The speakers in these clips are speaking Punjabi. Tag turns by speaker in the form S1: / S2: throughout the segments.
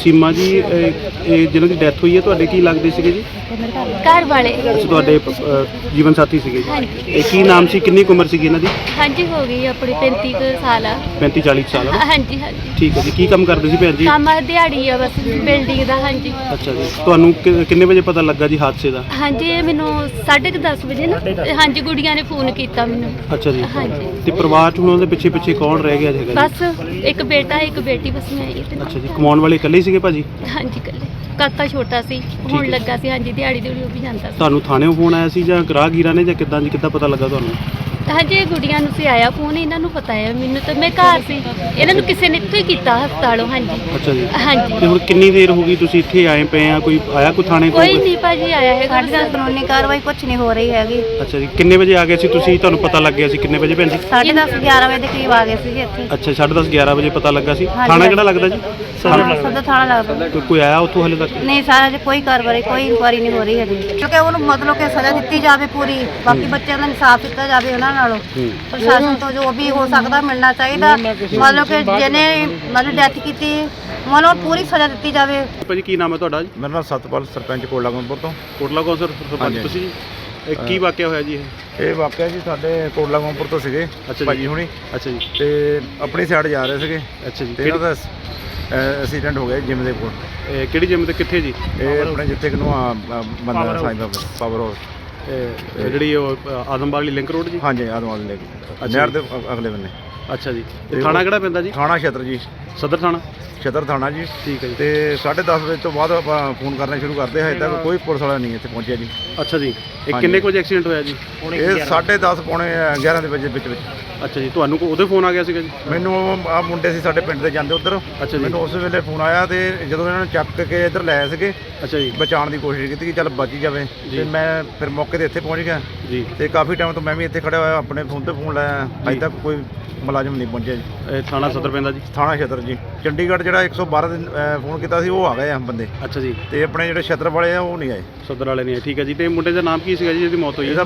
S1: ਸੀਮਾ ਜੀ ਜਿਹਨਾਂ ਦੀ ਡੈਥ ਹੋਈ ਹੈ ਤੁਹਾਡੇ ਕੀ ਲੱਗਦੇ ਸੀਗੇ ਜੀ?
S2: ਘਰ ਵਾਲੇ।
S1: ਅੱਛਾ, ਤੁਹਾਡੇ ਜੀਵਨ ਸਾਥੀ ਸੀਗੇ ਜੀ।
S2: ਹਾਂਜੀ।
S1: ਇਹ ਕੀ ਨਾਮ ਸੀ, ਕਿੰਨੀ ਕੁ ਉਮਰ ਸੀਗੀ ਇਹਨਾਂ ਦੀ?
S2: ਹਾਂਜੀ ਹੋ ਗਈ ਆਪਣੀ 35 ਕੁ ਸਾਲ ਆ।
S1: 35-40 ਸਾਲ ਆ।
S2: ਹਾਂਜੀ ਹਾਂਜੀ।
S1: ਠੀਕ ਹੈ ਜੀ। ਕੀ ਕੰਮ ਕਰਦੇ ਸੀ ਭੈਣ ਜੀ?
S2: ਕੰਮ ਦਿਹਾੜੀ ਆ ਬਸ ਬਿਲਡਿੰਗ ਦਾ। ਹਾਂਜੀ।
S1: ਅੱਛਾ ਜੀ। ਤੁਹਾਨੂੰ ਕਿੰਨੇ ਵਜੇ ਪਤਾ ਲੱਗਾ ਜੀ ਹਾਦਸੇ ਦਾ?
S2: ਹਾਂਜੀ ਇਹ ਮੈਨੂੰ 10:30 ਵਜੇ ਨਾ ਹਾਂਜੀ ਗੁੜੀਆਂ ਨੇ ਫੋਨ ਕੀਤਾ ਮੈਨੂੰ।
S1: ਅੱਛਾ ਜੀ।
S2: ਹਾਂਜੀ।
S1: ਤੇ ਪਰਿਵਾਰ ਚ ਹੁਣ ਉਹਦੇ ਪਿੱਛੇ ਪਿੱਛੇ ਕੌਣ ਰਹਿ ਗਿਆ ਹੈਗਾ ਜੀ?
S2: ਬਸ ਇੱਕ ਬੇਟਾ ਇੱਕ ਬੇਟੀ, ਬਸ ਮੈਂ ਹੀ ਤੇ।
S1: ਅੱਛਾ ਜੀ। ਕਮਾਉਣ ਵਾਲੇ ਇਕੱਲੇ ਹੀ ਸੀਗੇ ਭਾਜੀ?
S2: ਹਾਂਜੀ ਇਕੱਲੇ। ਕਾਕਾ ਛੋਟਾ ਸੀ, ਹੁਣ ਲੱਗਾ ਸੀ। ਹਾਂਜੀ ਦਿਹਾੜੀ ਉਹ ਵੀ ਜਾਂਦਾ ਸੀ।
S1: ਤੁਹਾਨੂੰ ਥਾਣੇੋਂ ਫੋਨ ਆਇਆ ਸੀ ਜਾਂ ਗ੍ਰਾਹਗੀਰਾਂ ਨੇ ਜਾਂ ਕਿੱਦਾਂ ਜੀ, ਕਿੱਦਾਂ ਪਤਾ ਲੱਗਾ ਤੁਹਾਨੂੰ?
S2: ਹਾਂਜੀ ਇਹ ਗੁੜੀਆਂ ਨੂੰ ਸੀ ਆਇਆ ਫੋਨ, ਇਹਨਾਂ ਨੂੰ ਪਤਾ ਹੈ, ਮੈਨੂੰ ਤਾਂ ਮੈਂ ਘਰ ਸੀ, ਇਹਨਾਂ ਨੂੰ ਕਿਸੇ ਨੇ ਇੱਥੋਂ ਹੀ ਕੀਤਾ ਹਸਪਤਾਲੋਂ। ਹਾਂਜੀ।
S1: ਅੱਛਾ ਜੀ।
S2: ਹਾਂਜੀ।
S1: ਤੇ ਹੁਣ ਕਿੰਨੀ ਦੇਰ ਹੋ ਗਈ ਤੁਸੀਂ ਇੱਥੇ ਆਏ ਪਏ ਆ? ਕੋਈ ਆਇਆ ਕੋਈ ਥਾਣੇ ਤੋਂ?
S2: ਕੋਈ ਨਹੀਂ ਭਾਜੀ ਆਇਆ ਹੈਗਾ।
S3: ਸਾਡੇ ਨਾਲ ਕਾਨੂੰਨੀ ਕਾਰਵਾਈ ਕੁਝ ਨਹੀਂ ਹੋ ਰਹੀ ਹੈਗੀ।
S1: ਅੱਛਾ ਜੀ। ਕਿੰਨੇ ਵਜੇ ਆ ਗਏ ਸੀ ਤੁਸੀਂ? ਤੁਹਾਨੂੰ ਪਤਾ ਲੱਗ ਗਿਆ ਸੀ ਕਿੰਨੇ ਵਜੇ ਭੈਣ ਜੀ?
S3: 10:30 11 ਵਜੇ ਦੇ ਕਰੀਬ ਆ ਗਏ ਸੀਗੇ ਇੱਥੇ।
S1: ਅੱਛਾ, 10:30 11 ਵਜੇ ਪਤਾ ਲੱਗਾ ਸੀ।
S3: ਹਾਂਜੀ,
S1: ਥਾਣਾ ਕਿਹੜਾ ਲੱਗਦਾ ਜੀ?
S3: ਸਦਰ ਥਾਣਾ ਲੱਗਦਾ।
S1: ਕੋਈ ਆਇਆ ਉੱਥੋਂ ਹਲੇ ਤੱਕ?
S3: ਨਹੀਂ ਸਾਰਾ ਜੇ ਕੋਈ ਕਾਰਵਾਈ ਕੋਈ ਇਨਕੁਆਰੀ ਨਹੀਂ ਹੋ ਰਹੀ ਹੈਗੀ, ਕਿਉਂਕਿ ਉਹਨੂੰ ਮਤਲਬ ਕਿ ਸਜ਼ਾ ਦਿੱਤੀ ਜਾਵੇ ਪੂਰੀ, ਬਾਕੀ ਬੱਚਿਆਂ ਦਾ ਇਨਸਾਫ ਦਿੱਤਾ ਜਾਵੇ ਉਹਨਾਂ ਨਾਲੋਂ। ਪ੍ਰਸ਼ਾਸਨ ਤੋਂ ਜੋ ਵੀ ਹੋ ਸਕਦਾ ਮਿਲਣਾ ਚਾਹੀਦਾ, ਮਤਲਬ ਕਿ ਜਿਹਨੇ ਮਤਲਬ ਡੈਥ ਕੀਤੀ ਮਤਲਬ ਪੂਰੀ ਸਜ਼ਾ ਦਿੱਤੀ ਜਾਵੇ।
S1: ਭਾਜੀ ਕੀ ਨਾਮ ਹੈ ਤੁਹਾਡਾ ਜੀ?
S4: ਮੇਰਾ ਨਾਮ ਸਤਪਾਲ, ਸਰਪੰਚ ਕੋਟਲਾ ਗੰਗਪੁਰ ਤੋਂ।
S1: ਕੋਟਲਾ ਕੌਂਸਲ ਸਰਪੰਚ
S4: ਹਾਂਜੀ।
S1: ਤੁਸੀਂ ਜੀ? ਇਹ ਕੀ ਵਾਕਿਆ ਹੋਇਆ ਜੀ ਇਹ?
S4: ਇਹ ਵਾਕਿਆ ਜੀ ਸਾਡੇ ਕੋਟਲਾ ਗੰਗਪੁਰ ਤੋਂ ਸੀਗੇ
S1: ਅੱਛਾ
S4: ਭਾਜੀ
S1: ਜੀ।
S4: ਹੁਣੀ,
S1: ਅੱਛਾ ਜੀ।
S4: ਤੇ ਆਪਣੀ ਸਾਈਡ ਜਾ ਰਹੇ ਸੀਗੇ
S1: ਅੱਛਾ ਜੀ।
S4: ਤੇ ਇਹਨਾਂ ਦਾ ਐਕਸੀਡੈਂਟ ਹੋ ਗਿਆ ਜਿਮ ਦੇ ਕੋਲ।
S1: ਕਿਹੜੀ ਜਿਮ ਤੇ ਕਿੱਥੇ ਜੀ?
S4: ਇਹ ਆਪਣੇ ਜਿੱਥੇ ਕਿ ਨੂੰ ਬੰਦਾ ਸਾਈਂ ਬਾਬਾ ਪਾਵਰ ਹਾਊਸ,
S1: ਜਿਹੜੀ ਉਹ ਆਦਮਬਾਗ ਵਾਲੀ ਲਿੰਕ ਰੋਡ ਜੀ?
S4: ਹਾਂਜੀ ਆਦਮਾਲ ਲੈ
S1: ਅੱਛਾ
S4: ਨਹਿਰ
S1: ਜੀ।
S4: ਦੇ ਅਗਲੇ ਬੰਨੇ।
S1: ਅੱਛਾ ਜੀ।
S4: ਤੇ
S1: ਤੇ ਥਾਣਾ ਕਿਹੜਾ ਪੈਂਦਾ ਜੀ?
S4: ਥਾਣਾ ਛਤਰ ਜੀ,
S1: ਸਦਰ ਥਾਣਾ?
S4: ਛਤਰ ਥਾਣਾ ਜੀ।
S1: ਠੀਕ ਹੈ ਜੀ।
S4: ਤੇ 10:30 ਵਜੇ ਤੋਂ ਬਾਅਦ ਆਪਾਂ ਫੋਨ ਕਰਨਾ ਸ਼ੁਰੂ ਕਰਦੇ ਹਾਂ, ਹਜੇ ਤੱਕ ਕੋਈ ਪੁਲਿਸ ਵਾਲਾ ਨਹੀਂ ਇੱਥੇ ਪਹੁੰਚਿਆ ਜੀ।
S1: ਅੱਛਾ ਜੀ। ਇਹ
S4: ਹਾਂਜੀ।
S1: ਕਿੰਨੇ ਕੁ ਵਜੇ ਐਕਸੀਡੈਂਟ ਹੋਇਆ ਜੀ?
S4: ਇਹ 10:30 ਪੌਣੇ 11 ਦੇ ਵਜੇ ਵਿੱਚ।
S1: ਅੱਛਾ ਜੀ। ਤੁਹਾਨੂੰ ਉਹਦੇ ਫੋਨ ਆ ਗਿਆ ਸੀਗਾ ਜੀ?
S4: ਮੈਨੂੰ ਆ ਮੁੰਡੇ ਸੀ ਸਾਡੇ ਪਿੰਡ ਦੇ ਜਾਂਦੇ ਉੱਧਰ।
S1: ਅੱਛਾ ਜੀ।
S4: ਮੈਨੂੰ ਉਸ ਵੇਲੇ ਫੋਨ ਆਇਆ ਤੇ ਜਦੋਂ ਇਹਨਾਂ ਨੂੰ ਚੱਕ ਕੇ ਇੱਧਰ ਲੈ ਆਏ ਸੀਗੇ,
S1: ਅੱਛਾ ਜੀ।
S4: ਬਚਾਉਣ ਦੀ ਕੋਸ਼ਿਸ਼ ਕੀਤੀ ਕਿ ਚੱਲ ਬਚ ਹੀ ਜਾਵੇ,
S1: ਜੀ।
S4: ਤੇ ਮੈਂ ਫਿਰ ਮੌਕੇ ਤੇ ਇੱਥੇ ਪਹੁੰਚ ਗਿਆ
S1: ਜੀ।
S4: ਤੇ ਕਾਫੀ ਟਾਈਮ ਤੋਂ ਮੈਂ ਵੀ ਇੱਥੇ ਖੜਿਆ ਹੋਇਆ, ਆਪਣੇ ਫੋਨ ਤੇ ਫੋਨ ਲਾਇਆ, ਅਜੇ ਤੱਕ ਕੋਈ ਮੁਲਾਜ਼ਮ ਨਹੀਂ ਪਹੁੰਚਿਆ ਜੀ।
S1: ਇਹ ਥਾਣਾ ਸਦਰ ਪੈਂਦਾ ਜੀ?
S4: ਥਾਣਾ ਛਤਰ ਜੀ। ਚੰਡੀਗੜ੍ਹ ਜਿਹੜਾ 112 ਦੇ ਫੋਨ ਕੀਤਾ ਸੀ ਉਹ ਆ ਗਏ ਆ ਬੰਦੇ,
S1: ਅੱਛਾ ਜੀ।
S4: ਤੇ ਆਪਣੇ ਜਿਹੜੇ ਛਤਰ ਵਾਲੇ ਆ ਉਹ ਨਹੀਂ ਆਏ।
S1: ਸਦਰ ਵਾਲੇ ਨਹੀਂ ਆਏ। ਠੀਕ ਹੈ ਜੀ। ਤੇ ਮੁੰਡੇ ਦਾ ਨਾਮ ਕੀ ਸੀਗਾ ਜੀ ਜਿਹਦੀ ਮੌਤ ਹੋਈ?
S4: ਇਹਦਾ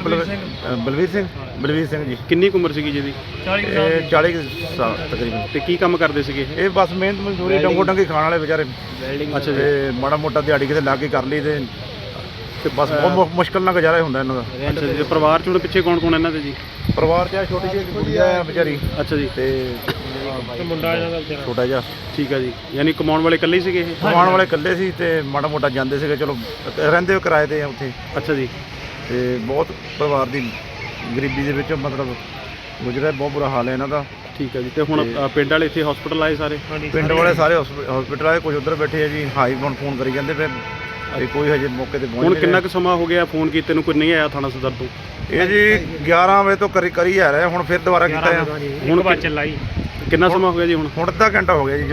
S4: ਬਲਵੀਰ ਸਿੰਘ ਜੀ।
S1: ਕਿੰਨੀ ਕੁ ਉਮਰ ਸੀਗੀ ਜਿਹਦੀ?
S4: ਇਹ 40 ਸਾਲ ਤਕਰੀਬਨ।
S1: ਤੇ ਕੀ ਕੰਮ ਕਰਦੇ ਸੀਗੇ ਇਹ?
S4: ਇਹ ਬਸ ਮਿਹਨਤ ਮਜ਼ਦੂਰੀ ਡੰਗੋ ਡੰਗੀ ਖਾਣ ਵਾਲੇ ਵਿਚਾਰੇ।
S1: ਅੱਛਾ ਜੀ।
S4: ਤੇ ਮਾੜਾ ਮੋਟਾ ਦਿਹਾੜੀ ਕਿਤੇ ਲਾ ਕੇ ਕਰ ਲਈ ਤੇ ਬਸ ਬਹੁਤ ਮੁਸ਼ਕਲ ਨਾਲ ਗੁਜ਼ਾਰਾ ਹੁੰਦਾ ਇਹਨਾਂ ਦਾ।
S1: ਅੱਛਾ ਜੀ। ਤੇ ਪਰਿਵਾਰ ਚ ਹੁਣ ਪਿੱਛੇ ਕੌਣ ਕੌਣ ਇਹਨਾਂ ਦੇ ਜੀ?
S4: ਪਰਿਵਾਰ 'ਚ ਆ ਛੋਟੀ ਜਿਹੀ ਗੁੜੀਆ ਆ ਵਿਚਾਰੀ,
S1: ਅੱਛਾ ਜੀ।
S4: ਤੇ ਮੁੰਡਾ ਇਹਨਾਂ ਦਾ ਛੋਟਾ ਜਿਹਾ।
S1: ਠੀਕ ਹੈ ਜੀ। ਯਾਨੀ ਕਮਾਉਣ ਵਾਲੇ ਇਕੱਲੇ ਹੀ ਸੀਗੇ ਇਹ?
S4: ਕਮਾਉਣ ਵਾਲੇ ਇਕੱਲੇ ਸੀ ਤੇ ਮਾੜਾ ਮੋਟਾ ਜਾਂਦੇ ਸੀਗੇ, ਚਲੋ ਰਹਿੰਦੇ ਹੋ ਕਿਰਾਏ ਤੇ ਆ ਉੱਥੇ।
S1: ਅੱਛਾ ਜੀ।
S4: ਤੇ ਬਹੁਤ ਪਰਿਵਾਰ ਦੀ ਗਰੀਬੀ ਦੇ ਵਿੱਚ ਮਤਲਬ ਗੁਜ਼ਰਿਆ, ਬਹੁਤ ਬੁਰਾ ਹਾਲ ਹੈ ਇਹਨਾਂ ਦਾ।
S1: ਠੀਕ ਹੈ ਜੀ। ਤੇ ਹੁਣ ਪਿੰਡ ਵਾਲੇ ਇੱਥੇ ਹਸਪੀਟਲ ਆਏ ਸਾਰੇ?
S4: ਪਿੰਡ ਵਾਲੇ ਸਾਰੇ ਹਸਪੀਟਲ ਆਏ, ਕੁਝ ਉੱਧਰ ਬੈਠੇ ਆ ਜੀ, ਹਾਈ ਹੁਣ ਫੋਨ ਕਰੀ ਜਾਂਦੇ ਪਏ ਤੇ ਕੋਈ ਹਜੇ ਮੌਕੇ ਤੇ ਪਹੁੰਚ
S1: ਹੁਣ
S4: ਨਹੀਂ
S1: ਕਿੰਨਾ
S4: ਰਿਹਾ।
S1: ਕੁ ਸਮਾਂ ਹੋ ਗਿਆ ਫੋਨ ਕੀਤੇ ਨੂੰ, ਕੋਈ ਨਹੀਂ ਆਇਆ ਥਾਣਾ ਸਦਰ ਤੋਂ?
S4: ਇਹ ਜੀ 11 ਵਜੇ ਤੋਂ ਕਰੀ ਆ ਰਿਹਾ, ਹੁਣ ਫਿਰ ਦੁਬਾਰਾ ਕੀਤਾ ਆ।
S1: ਹੁਣ ਕਿੰਨਾ ਸਮਾਂ ਹੋ ਗਿਆ ਜੀ ਹੁਣ?
S4: ਹੁਣ ਅੱਧਾ ਘੰਟਾ ਹੋ ਗਿਆ ਜੀ,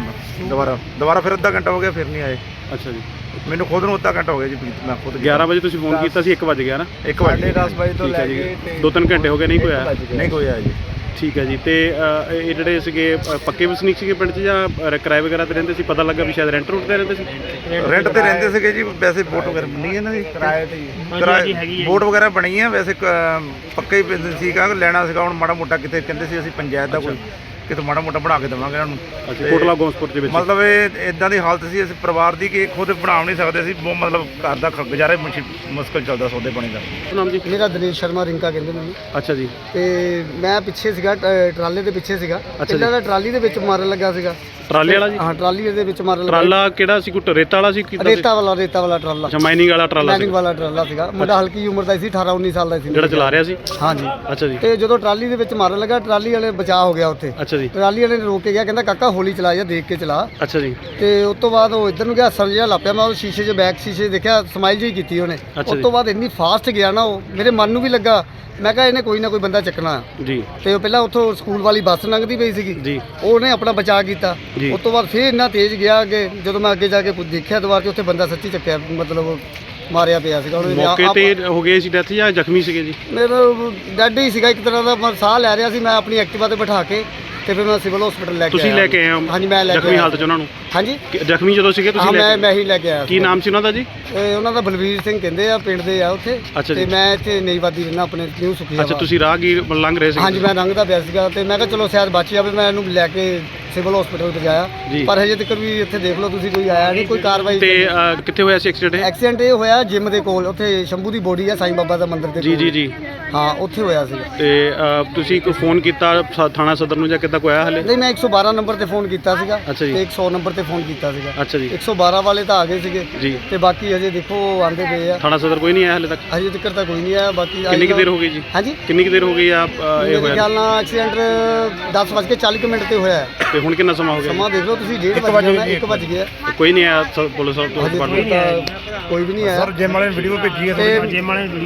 S4: ਜਦੋਂ ਦੁਬਾਰਾ ਫਿਰ ਅੱਧਾ ਘੰਟਾ ਹੋ ਗਿਆ, ਫਿਰ ਨਹੀਂ ਆਏ।
S1: ਅੱਛਾ ਜੀ।
S4: ਮੈਨੂੰ ਖੁਦ ਨੂੰ ਅੱਧਾ ਘੰਟਾ ਹੋ ਗਿਆ ਜੀ, ਮੈਂ ਖੁਦ
S1: 11 ਵਜੇ ਤੁਸੀਂ ਫੋਨ ਕੀਤਾ ਸੀ, 1 ਵਜ ਗਿਆ ਨਾ?
S4: 1 ਵਜੇ
S5: 10 ਵਜੇ ਤੋਂ
S1: ਠੀਕ
S5: ਲੈ
S1: ਹੈ ਜੀ।
S5: ਕੇ
S1: 2-3 ਘੰਟੇ ਹੋ ਗਏ ਨਹੀਂ ਕੋਈ ਆਇਆ?
S4: ਨਹੀਂ ਕੋਈ ਆਇਆ ਜੀ।
S1: ਠੀਕ ਹੈ ਜੀ। ਤੇ ਇਹ ਜਿਹੜੇ ਸੀਗੇ ਪੱਕੇ ਵਸਨੀਕ ਸੀਗੇ ਪਿੰਡ 'ਚ ਜਾਂ ਕਿਰਾਏ ਵਗੈਰਾ ਤੇ ਰਹਿੰਦੇ ਸੀ? ਪਤਾ ਲੱਗਾ ਵੀ ਸ਼ਾਇਦ ਰੈਂਟ ਰੂਟ ਤੇ ਰਹਿੰਦੇ ਸੀ?
S4: ਰੈਂਟ ਤੇ ਰਹਿੰਦੇ ਸੀਗੇ ਜੀ, ਵੈਸੇ ਵੋਟ ਵਗੈਰਾ ਬਣੀ ਹੈ ਇਹਨਾਂ ਦੀ,
S5: ਕਿਰਾਏ ਤੇ
S4: ਕਿਰਾਏ ਵੋਟ ਵਗੈਰਾ ਬਣੀ ਹੈ, ਵੈਸੇ ਪੱਕਾ ਹੀ ਬਿਜ਼ਨਸ ਸੀਗਾ, ਲੈਣਾ ਸੀਗਾ। ਹੁਣ ਮਾੜਾ ਮੋਟਾ ਕਿਤੇ ਕਹਿੰਦੇ ਸੀ ਅਸੀਂ ਪੰਚਾਇਤ ਦਾ ਕੋਈ ਕਿਤੇ ਮਾੜਾ ਮੋਟਾ ਬਣਾ ਕੇ ਦੇਵਾਂਗੇ ਇਹਨਾਂ ਨੂੰ।
S1: ਅੱਛਾ। ਕੋਟਲਾ ਗੋਸਪੁਰ ਦੇ ਵਿੱਚ
S4: ਮਤਲਬ ਇਹ ਇਦਾਂ ਦੀ ਹਾਲਤ ਸੀ ਇਸ ਪਰਿਵਾਰ ਦੀ ਕਿ ਖੁਦ ਬਣਾ ਨਹੀਂ ਸਕਦੇ ਸੀ, ਬਹੁਤ ਮਤਲਬ ਘਰ ਦਾ ਗੁਜ਼ਾਰਾ ਮੁਸ਼ਕਲ ਚੱਲਦਾ, ਸੌਦੇ ਪਾਣੀ ਦਾ।
S1: ਨਾਮ ਜੀ?
S5: ਮੇਰਾ ਦਿਨੇਸ਼ ਸ਼ਰਮਾ ਰਿੰਕਾ ਕਹਿੰਦੇ ਮੈਨੂੰ।
S1: ਅੱਛਾ ਜੀ।
S5: ਤੇ ਮੈਂ ਪਿੱਛੇ ਸੀਗਾ, ਟਰਾਲੇ ਦੇ ਪਿੱਛੇ ਸੀਗਾ। ਇਹਨਾਂ ਦਾ ਟਰਾਲੀ ਦੇ ਵਿੱਚ ਮਾਰਨ ਲੱਗਾ ਸੀਗਾ।
S1: ਟਰਾਲੇ ਵਾਲਾ ਜੀ?
S5: ਹਾਂ ਟਰਾਲੀ ਦੇ ਵਿੱਚ ਮਾਰਨ ਲੱਗਾ।
S1: ਟਰਾਲਾ ਕਿਹੜਾ ਸੀ? ਕੋਈ ਰੇਤਾ ਵਾਲਾ ਸੀ?
S5: ਰੇਤਾ ਵਾਲਾ ਟਰਾਲਾ।
S1: ਅੱਛਾ, ਮਾਈਨਿੰਗ ਵਾਲਾ ਟਰਾਲਾ ਸੀ?
S5: ਮਾਈਨਿੰਗ ਵਾਲਾ ਟਰਾਲਾ ਸੀਗਾ। ਮੁੰਡਾ ਹਲਕੀ ਉਮਰ ਦਾ ਸੀ, 18-19 ਸਾਲ ਦਾ ਸੀ
S1: ਜਿਹੜਾ ਚਲਾ ਰਿਹਾ ਸੀ?
S5: ਹਾਂਜੀ।
S1: ਅੱਛਾ ਜੀ।
S5: ਤੇ ਜਦੋਂ ਟਰਾਲੀ ਦੇ ਵਿੱਚ ਮਾਰਨ ਲੱਗਾ, ਟਰਾਲੀ ਵਾਲੇ ਬਚਾਅ ਹੋ ਗਿਆ ਉੱਥੇ।
S1: ਅੱਛਾ ਜੀ।
S5: ਟਰਾਲੀ ਵਾਲੇ ਨੇ ਰੋਕ ਕੇ ਗਿਆ, ਕਹਿੰਦਾ ਕਾਕਾ ਹੌਲੀ ਚਲਾ ਜਾ, ਦੇਖ ਕੇ ਚਲਾ।
S1: ਅੱਛਾ ਜੀ।
S5: ਤੇ ਉਸ ਤੋਂ ਬਾਅਦ ਉਹ ਇੱਧਰ ਨੂੰ ਗਿਆ, ਹੱਸਣ ਜਿਹਾ ਲਾਪਿਆ। ਮੈਂ ਉਹ ਸ਼ੀਸ਼ੇ 'ਚ ਬੈਕ ਸ਼ੀਸ਼ੇ ਦੇਖਿਆ, ਸਮਾਈਲ ਜਿਹੀ ਕੀਤੀ ਉਹਨੇ। ਉਸ ਤੋਂ ਬਾਅਦ ਇੰਨੀ ਫਾਸਟ ਗਿਆ ਨਾ ਉਹ, ਮੇਰੇ ਮਨ ਨੂੰ ਵੀ ਲੱਗਾ, ਮੈਂ ਕਿਹਾ ਇਹਨੇ ਕੋਈ ਨਾ ਕੋਈ ਬੰਦਾ ਚੱਕਣਾ
S1: ਜੀ।
S5: ਤੇ ਉਹ ਪਹਿਲਾਂ ਉੱਥੋਂ ਸਕੂਲ ਵਾਲੀ ਬੱਸ ਲੰਘਦੀ ਪਈ ਸੀਗੀ
S1: ਜੀ।
S5: ਉਹਨੇ ਆਪਣਾ ਬਚਾਅ ਕੀਤਾ।
S1: ਜੀ।
S5: ਉਸ ਤੋਂ ਬਾਅਦ ਫਿਰ ਇੰਨਾ ਤੇਜ਼ ਗਿਆ ਅੱਗੇ, ਜਦੋਂ ਮੈਂ ਅੱਗੇ ਜਾ ਕੇ ਦੇਖਿਆ ਦੁਬਾਰਾ ਤੇ ਉੱਥੇ ਬੰਦਾ ਸੱਚੀ ਚੱਕਿਆ, ਮਤਲਬ ਮਾਰਿਆ ਪਿਆ ਸੀਗਾ।
S1: ਮੌਕੇ ਤੇ ਹੋ ਗਏ ਸੀ ਡੈਥ ਜਾਂ ਜ਼ਖਮੀ ਸੀਗੇ ਜੀ?
S5: ਮੇਰਾ ਡੈਡ ਹੀ ਸੀਗਾ ਇੱਕ ਤਰ੍ਹਾਂ ਦਾ, ਮੈਂ ਸਾਹ ਲੈ ਰਿਹਾ ਸੀ। ਮੈਂ ਆਪਣੀ ਐਕਟਿਵਾ ਤੇ ਬਿਠਾ ਕੇ ਤੇ ਫਿਰ ਮੈਂ ਸਿਵਲ ਹਸਪੀਟਲ ਲੈ ਕੇ
S1: ਤੁਸੀਂ ਲੈ ਕੇ ਆਏ ਹੋ?
S5: ਹਾਂਜੀ ਮੈਂ ਲੈ ਕੇ
S1: ਜ਼ਖਮੀ ਹਾਲਤ 'ਚ ਉਹਨਾਂ ਨੂੰ?
S5: ਹਾਂਜੀ।
S1: ਜ਼ਖਮੀ ਜਦੋਂ ਸੀਗੇ ਤੁਸੀਂ
S5: ਹਾਂ
S1: ਲੈ ਕੇ?
S5: ਮੈਂ ਹੀ ਲੈ ਕੇ ਆਇਆ।
S1: ਕੀ ਨਾਮ ਸੀ ਉਹਨਾਂ ਦਾ ਜੀ?
S5: ਉਹਨਾਂ ਦਾ ਬਲਵੀਰ ਸਿੰਘ ਕਹਿੰਦੇ ਆ, ਪਿੰਡ ਦੇ ਆ ਉੱਥੇ।
S1: ਅੱਛਾ ਜੀ।
S5: ਤੇ ਮੈਂ ਇੱਥੇ ਨਈਵਾਦੀ ਰਹਿਣਾ, ਆਪਣੇ ਨਿਊ ਸੁਖੀ।
S1: ਅੱਛਾ, ਤੁਸੀਂ ਰਾਹਗੀਰ ਲੰਘ ਰਹੇ ਸੀ?
S5: ਹਾਂਜੀ ਮੈਂ ਲੰਘਦਾ ਪਿਆ ਸੀਗਾ ਤੇ ਮੈਂ ਕਿਹਾ ਚਲੋ ਸ਼ਾਇਦ ਬਚ ਜਾਵੇ, ਮੈਂ ਇਹਨੂੰ ਲੈ ਕੇ ਸਿਵਲ ਹਸਪੀਟਲ ਪਹੁੰਚਾਇਆ,
S1: ਜੀ।
S5: ਪਰ ਹਜੇ ਤੱਕ ਵੀ ਇੱਥੇ ਦੇਖ ਲਓ ਤੁਸੀਂ, ਕੋਈ ਆਇਆ ਨਹੀਂ, ਕੋਈ ਕਾਰਵਾਈ
S1: ਤੇ ਕਿੱਥੇ ਹੋਇਆ ਸੀ ਐਕਸੀਡੈਂਟ ਇਹ?
S5: ਐਕਸੀਡੈਂਟ ਇਹ ਹੋਇਆ ਜਿਮ ਦੇ ਕੋਲ, ਉੱਥੇ ਸ਼ੰਭੂ ਦੀ ਬੋਡੀ ਹੈ ਸਾਈਂ ਬਾਬਾ ਦਾ ਮੰਦਿਰ ਦੇ
S1: ਜੀ
S5: ਕੋਲ।
S1: ਜੀ ਜੀ।
S5: ਹਾਂ, ਉੱਥੇ ਹੋਇਆ ਸੀ।
S1: ਤੇ ਤੁਸੀਂ ਕੋਈ ਫੋਨ ਕੀਤਾ ਥਾਣਾ ਸਦਰ ਨੂੰ ਜਾਂ ਕਿੱਦਾਂ ਕੋਈ ਆਇਆ ਹਲੇ?
S5: ਨਹੀਂ, ਮੈਂ 112 ਨੰਬਰ ਤੇ ਫੋਨ ਕੀਤਾ ਸੀਗਾ
S1: ਅੱਛਾ ਜੀ।
S5: ਤੇ 100 ਨੰਬਰ ਤੇ ਫੋਨ ਕੀਤਾ ਸੀਗਾ।
S1: ਅੱਛਾ ਜੀ
S5: 112 ਵਾਲੇ ਤਾਂ ਆ ਗਏ ਸੀਗੇ
S1: ਜੀ।
S5: ਤੇ ਬਾਕੀ ਹਜੇ ਦੇਖੋ ਆਂਦੇ ਪਏ ਆ,
S1: ਥਾਣਾ ਸਦਰ ਕੋਈ ਨਹੀਂ ਆਇਆ ਹਲੇ ਤੱਕ?
S5: ਹਜੇ ਤੱਕ ਤਾਂ ਕੋਈ ਨਹੀਂ ਆਇਆ। ਬਾਕੀ
S1: ਕਿੰਨੀ ਕੁ ਦੇਰ ਹੋ ਗਈ ਜੀ?
S5: ਹਾਂਜੀ,
S1: ਕਿੰਨੀ ਕੁ ਦੇਰ ਹੋ ਗਈ ਆ ਇਹ
S5: ਮੇਰੇ
S1: ਹੋਇਆ?
S5: ਖਿਆਲ ਨਾਲ ਐਕਸੀਡੈਂਟ 10:40 ਮਿੰਟ ਤੇ ਹੋਇਆ ਹੈ।
S1: ਤੇ ਹੁਣ ਕਿੰਨਾ ਸਮਾਂ ਹੋ ਗਿਆ?
S5: ਸਮਾਂ ਦੇਖ ਲਓ ਤੁਸੀਂ, 1:30 ਵਜ ਗਿਆ।
S1: ਕੋਈ ਨਹੀਂ ਆਇਆ ਪੁਲਿਸ
S5: ਹਜੇ
S1: ਡਿਪਾਰਟਮੈਂਟ?
S5: ਤੱਕ ਤਾਂ ਕੋਈ ਵੀ ਨਹੀਂ ਆਇਆ।
S4: ਸਰ ਜਿਮ ਵਾਲੇ ਨੇ ਵੀਡੀਓ ਭੇਜੀ ਹੈ
S5: ਤੇ